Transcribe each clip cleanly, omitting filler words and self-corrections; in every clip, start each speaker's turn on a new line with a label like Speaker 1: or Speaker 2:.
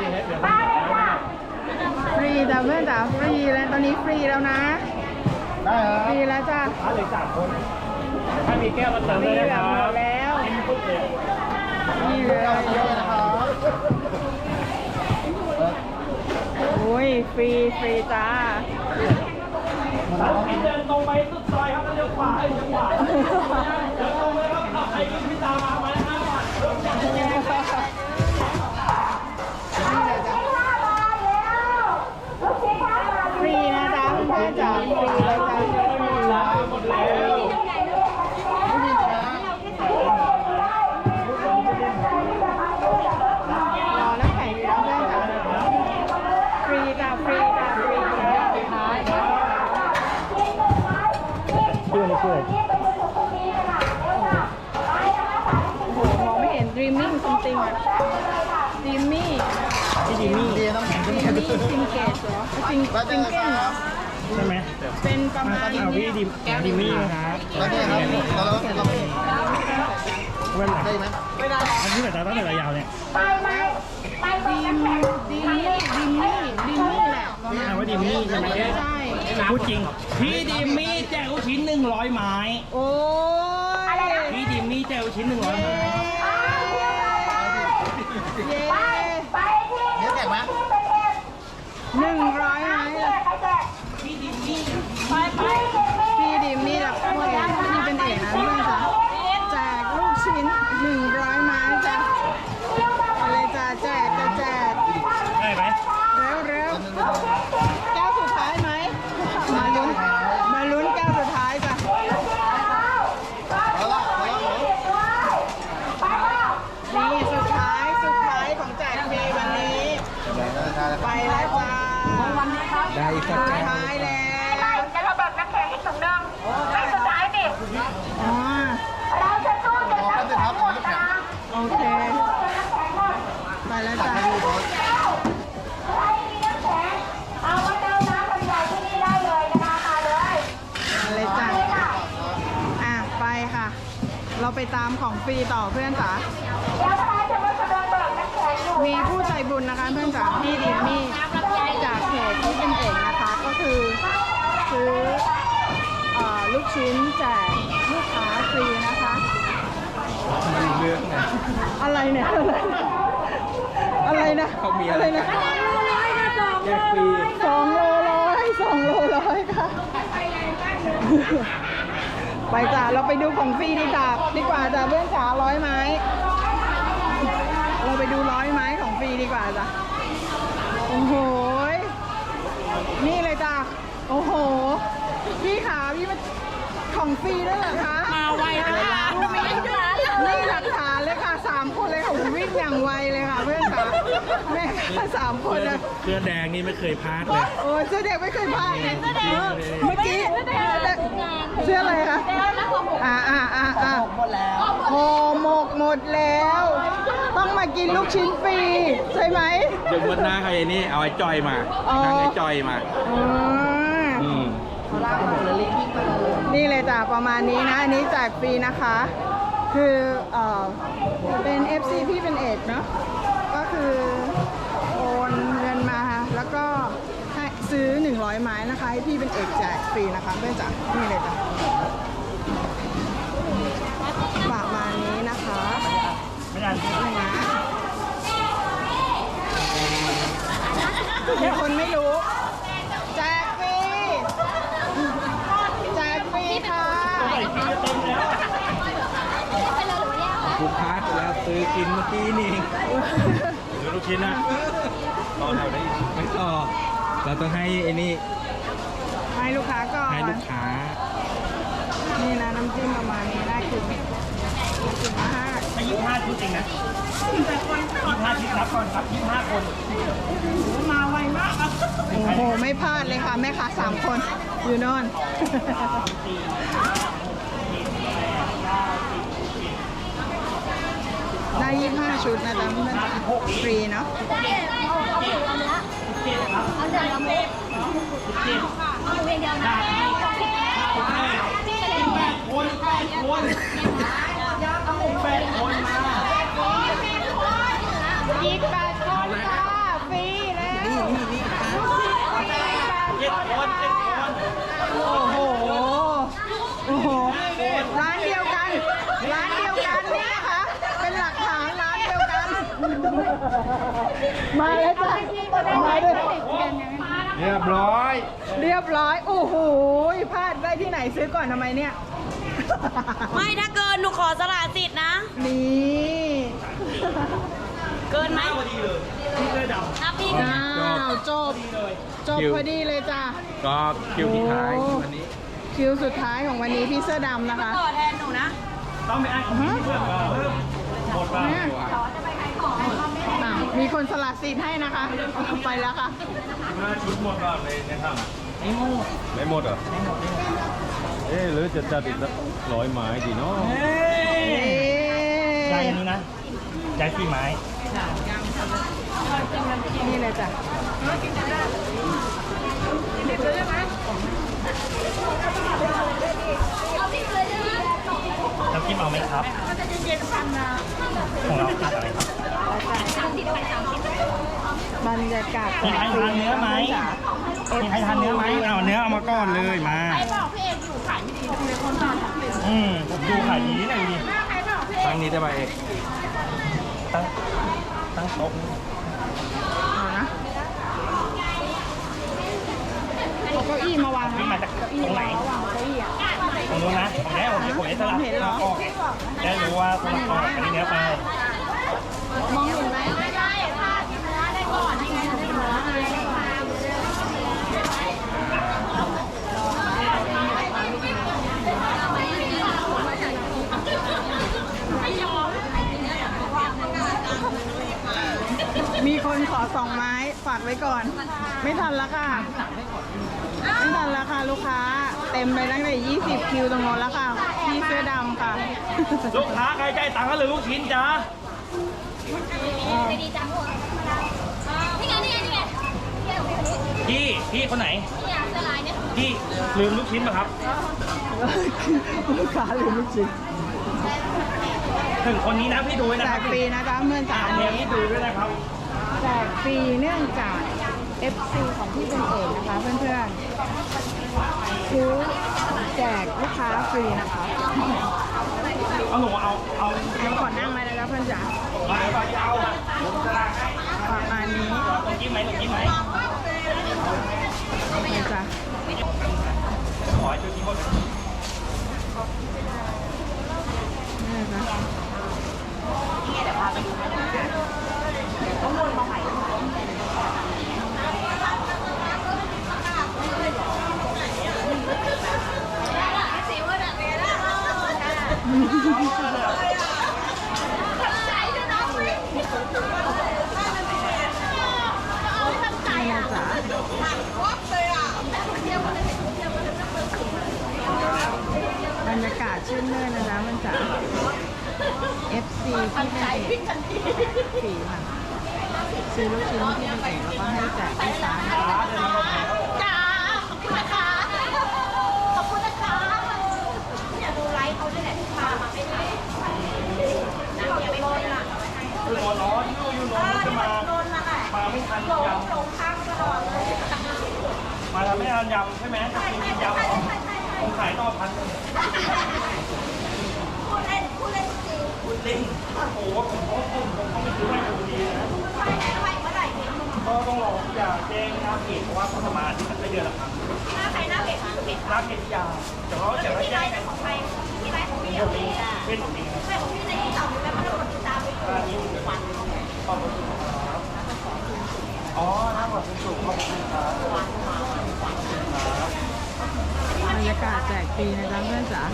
Speaker 1: ฟรีจ้ะเพื่อนจ๋าฟรีแล้วตอนนี้ฟรีแล้วนะ
Speaker 2: ได้ครับ
Speaker 1: ฟรีแล้วจ้ะ
Speaker 3: เหลือ3 คนถ้ามีแก้วมาเติมเลยนะครับ
Speaker 1: แล้วนี่เลย
Speaker 2: เยอะนะครับ
Speaker 1: โอ้ยฟรีจ้า
Speaker 3: เดินตรงไปสุดซอยครับแล้วเลี้ยวขวาเลี้ยวขวาเดินตรงเลยครับใครกินพิซซ่ามา5 บาท
Speaker 1: ฟรีนะจ๊ะเพื่อนจ๋าฟรีเลยจ้ะ
Speaker 3: หมดแล้ว
Speaker 1: รอน้ำแข็งอยู่นะเพื่อนจ๋าฟรีจ้ะฟรีจ้ะฟรีจ้ะ
Speaker 3: ช่วยช่วย
Speaker 1: โอ้โหมองไม่เห็น dreaming something อะ dreamy
Speaker 3: พี่ดิมี่
Speaker 2: ดีต้องแข่งกัน
Speaker 1: dreamy singate เหรอ singate เหรอ
Speaker 3: ใช่ไหม
Speaker 1: เป็นประมาณ
Speaker 3: พี่ดิมี่นะครับ
Speaker 2: แล้วเนี่ยครับเรา
Speaker 3: เวลา
Speaker 2: ได้ไหม
Speaker 3: อันนี้แบบตั้งแต่ระยาวเนี่ย
Speaker 1: ดีมี่แหละประมาณ
Speaker 3: ว่าดิมี่ใช่ไหม
Speaker 1: ใช่
Speaker 3: พูดจริงพี่ดิมี่แจกลูกชิ้น100 ไม้
Speaker 1: โอ้ย
Speaker 3: พี่ดิมี่แจกลูกชิ้น100 ไม้
Speaker 1: เย้
Speaker 2: เดี๋ยวแข่งไหม
Speaker 1: 100ไหมพี่ดิมี่หลักพ่อเอกพี่เป็นเอกนะเพื่อนจ้ะแจกลูกชิ้น100 ไม้จ้ะอะไรจ้ะแจก
Speaker 3: ได้ไหม
Speaker 1: เร็วแก้วสุดท้ายไหมมาลุ้นแก้วสุดท้ายจ้ะ
Speaker 2: เอาละ
Speaker 1: นี่สุดท้ายของแจกฟรีวันนี้ไปแล้วจ้า
Speaker 2: ได้สัก
Speaker 1: สุด
Speaker 2: แก้ว
Speaker 1: ท้ายแล้ว
Speaker 4: จะระเบิดน้ำแข็งอีกถุงนึงไม่สุดท้ายดิ
Speaker 1: อ๋อ
Speaker 4: เราจะสู้จนน้ำแข็งหมดนะ
Speaker 1: โอเคไปแล้วจ้า
Speaker 4: ใครมีน้ำแข็งเอามาเติมน้ำใหญ่ที่นี่ได้เลยนะคะมาเลย
Speaker 1: อะไรจ้าไปค่ะ เราไปตามของฟรีต่อเพื่อนจ๋า
Speaker 4: เดี๋ยวทนายจะมาแสดงเบิกน้ำแข็งอยู่
Speaker 1: มีผู้ใจบุญนะคะเพื่อนจ๋าพี่ดิมมี่จากเพจที่เป็นเอกนะคะก็คือซื้อลูกชิ้นแจกลูกค้าฟรีนะคะ
Speaker 2: เรื่องไง
Speaker 1: อะไรเนี่ยอะไรนะ
Speaker 2: เขามีอะไร
Speaker 1: นะ
Speaker 2: แจกฟรี
Speaker 1: 2 โลร้อยค่ะ ไปจ้ะเราไปดูของฟรีดีกว่าจ้ะเพื่อนจ๋า100 ไม้ เราไปดู100 ไม้ของฟรีดีกว่าจ้ะโอ้โหนี่เลยจ้ะโอ้โหพี่ขาพี่มาของฟรีด้วยเหรอคะมาไวนะคะนี่หลักฐานเลยค่ะ3 คนเลยค่ะวิ่งอย่างไวเลยค่ะเพื่อนจ๋าแม่3 คนนะ
Speaker 3: เสื้อแดงนี่ไม่เคยพลาดเลย
Speaker 1: โอ้ยเสื้อเด็กไม่เคยพลาดเมื่อกี้เสื้ออะไรคะหมดแล้วห่อหมกหมดแล้ว ต้องมากินลูกชิ้นฟรีใช่ไหม
Speaker 5: เดี๋ยววันหน้าใครนี่เอาไอ้จอยมาทางไอ้จอยมา
Speaker 1: นี่เลยจ้ะประมาณนี้นะอันนี้แจกฟรีนะคะ คือเป็น FC พี่เป็นเอกเนาะก็คือโอนเงินมาแล้วก็ให้ซื้อ100 ไม้นะคะให้พี่เป็นเอกแจกฟรีนะคะเพื่อนจ๋านี่เลยจ้ะประมาณนี้นะคะ
Speaker 3: ไม่ได้
Speaker 1: นี่นะมีคนไม่รู้แจกฟรีแจกฟรีค่ะ
Speaker 5: กูพลาดไปแล้วซื้อกินเมื่อกี้นี่เอง
Speaker 3: ซื้อลูกชิ้นนะต่อแถวได้อีก
Speaker 5: ไม่ต่อ เราต้องให้ไอ้นี่
Speaker 1: ให้ลูกค้าก่อน
Speaker 5: ให้ลูกค้า
Speaker 1: นี่นะน้ำจิ้มประมาณนี้ได้คือมาก
Speaker 3: ไม่25 ชุดเองนะ25 ชุดรับก่อนครับ25 คน
Speaker 1: มาไวมากโอ้โหไม่พลาดเลยค่ะแม่ค้า3 คนอยู่โนอนได้25 ชุดนะจ๊ะเพื่อนฟรีเนาะ
Speaker 4: เอาเดี๋ยวเราไม่เอาเพียงเดียวนะ
Speaker 3: คน8 คน8 คนมา
Speaker 1: อีก8 คนค่ะมาแล้วจ้ะมาด้วย
Speaker 2: เรียบร้อย
Speaker 1: เรียบร้อยโอ้โหพลาดได้ที่ไหนซื้อก่อนทำไมเนี่ย
Speaker 6: ไม่ถ้าเกินหนูขอสละสิทธิ์นะ
Speaker 1: นี่
Speaker 6: เกินไหม
Speaker 3: พอดีเลยพี่เสื้อดำ
Speaker 6: ถ้าพี่
Speaker 1: อ้าวจบพอดีเลยจ้ะ
Speaker 5: ก็คิวที่ท้าย
Speaker 1: โอ้
Speaker 5: วันนี้
Speaker 1: คิวสุดท้ายของวันนี้พี่เสื้อดำนะคะ
Speaker 6: ต่อแทนหนูนะ
Speaker 3: ต้องไปอ่านคอมเมนต์เพื่อนหมดป่ะ
Speaker 1: เนี่ยอ่ะมีคนสละสิทธิ์ให้นะคะไปแล้วค่ะ
Speaker 3: มาชุดหมดก่อนเลยนะครับไม่หมดไม่หมดเหรอเอ๊ะหรือจะจัดอีกสัก100 ไม้ดีเนาะ ใจนี้นะใจ4 ไม้
Speaker 1: นี่เลยจ้ะ
Speaker 3: น้ำจิ้มเอาไหมครับของเราขาดอะไรครับ
Speaker 1: บรรยากาศ
Speaker 3: มีใครทานเนื้อไหมมีใครทานเนื้อไหมเอาเนื้อเอามาก้อนเลยมาผมดูขายดีนะดูดิ
Speaker 5: ครั้งนี้ได้มาเอก
Speaker 3: ตั้งโต๊ะ
Speaker 1: เอานะเอาเก้าอี้มาวาง
Speaker 3: นี่มาจากตรงไหน
Speaker 1: วางเก้าอี้อ่ะ
Speaker 3: ตรงนู้นนะผมได้สลับ
Speaker 1: เห็นเหรอ
Speaker 3: ออกได้รู้ว่าสลับออกอันนี้เนื้อไป
Speaker 1: มองเห็นไหม มีคนขอ2 ไม้ฝากไว้ก่อน ไม่ทันแล้วค่ะ ไม่ทันแล้วค่ะลูกค้า เต็มไปตั้งแต่20 คิวตรงโน้นแล้วค่ะ พี่เสื้อดำค่ะ
Speaker 3: ลูกค้าใครใจตังค์ก็หรือลูกชิ้นจ้า
Speaker 6: นี่ไง
Speaker 3: พี่คนไหนพี่ลืมลูกชิ้นป่ะครับ
Speaker 1: ลูกค้าหรือลูกชิ้น
Speaker 3: ถึงคนนี้นะพี่ดูไว้นะ
Speaker 1: แจ
Speaker 3: ครับ
Speaker 1: กฟรีนะจ๊ะเมื่อจ๋า
Speaker 3: อันนี้พี่ดูด้วยนะครับ
Speaker 1: แจกฟรีเนื่องจาก FC ของพี่เป็นเอกนะคะเพื่อนๆซื้อแจกลูกค้าฟรีนะคะ
Speaker 3: เอาหนูเอา
Speaker 1: เดี๋ยวก่อนนั่งเลยนะคะเพื่อนจ๋า
Speaker 3: เอา
Speaker 1: ประมาณนี้
Speaker 3: ตรงกิ้มไหม
Speaker 1: นะจ๊ะ
Speaker 3: ขอให้ช่วยกิ้มหมด
Speaker 1: นี่นะคะ บรรยากาศชื่นมื่นนะจ๊ะมันจ๋า FC ที่เป็นเอกฟรีค่ะซื้อลูกชิ้นที่เป็นเอกแล้วก็ให้แจกลูกค้านะคะ
Speaker 6: จ้าขอบคุณนะคะขอบคุณนะคะเนี่ยดูไลฟ์เขาด้วยแหละที่พามาไม่ได้นะอย่าไปโดนล่ะ
Speaker 3: คือตัวร้อนอยู่นอนจะมาไม่ทันยำ
Speaker 6: หลงทางตลอดเลย
Speaker 3: มาทำไม่ทันยำใช่ไหมกินยำผมขายต่อ1,000
Speaker 6: พูดเล่นจริง
Speaker 3: คุณลิงโอ้โหผมไม่ซื้อให้ดูดีนะ
Speaker 6: ไปเมื่อไหร่เนี่ย
Speaker 3: ก็ต้องรออย่าแจ้งหน้าเพจเพราะว่าเขาประมาณที่มันไม่เดือนละครั้ง
Speaker 6: หน้าใครหน้าเพจหน้าเพจ
Speaker 3: หน้าเพจยาแต่ว่าจะไม่
Speaker 6: ที่ไล
Speaker 3: แจ้ง
Speaker 6: ฟ์ของใครที่ไลฟ์ของพี่
Speaker 3: ผ
Speaker 6: เอา
Speaker 3: ม
Speaker 6: เอ
Speaker 3: เอง
Speaker 6: ง
Speaker 3: เป็นผมเอง
Speaker 6: ใช่ของพี่ในที่ต่อแล้วมันกดติดตามไป
Speaker 3: ร้านนี้วันขอบคุณครับอ๋อหน้าบอกสูงขอบคุณครับ
Speaker 1: บรรยากาศแจกฟรีนะจ๊ะเพื่อนจ๋า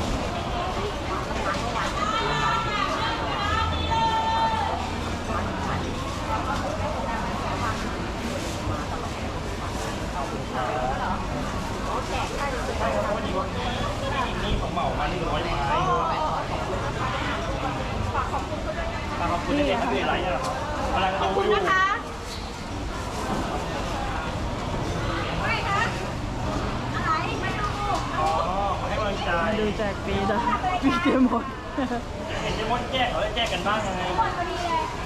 Speaker 3: นี่ของเหมามา100 ไม้ขอบคุณที่ทำอะไรเนี่ยครับกำลังดูอยู่
Speaker 6: นะคะไม่คะอะไรไม่ดู
Speaker 3: อ๋อมาให้กำลังใจ
Speaker 1: มาดูแจกฟรีจ้ะฟรีเต็มหมด
Speaker 3: เห็นจะมดแจกเขาจะแจกกันบ้างยังไง
Speaker 6: คนพอดีเลย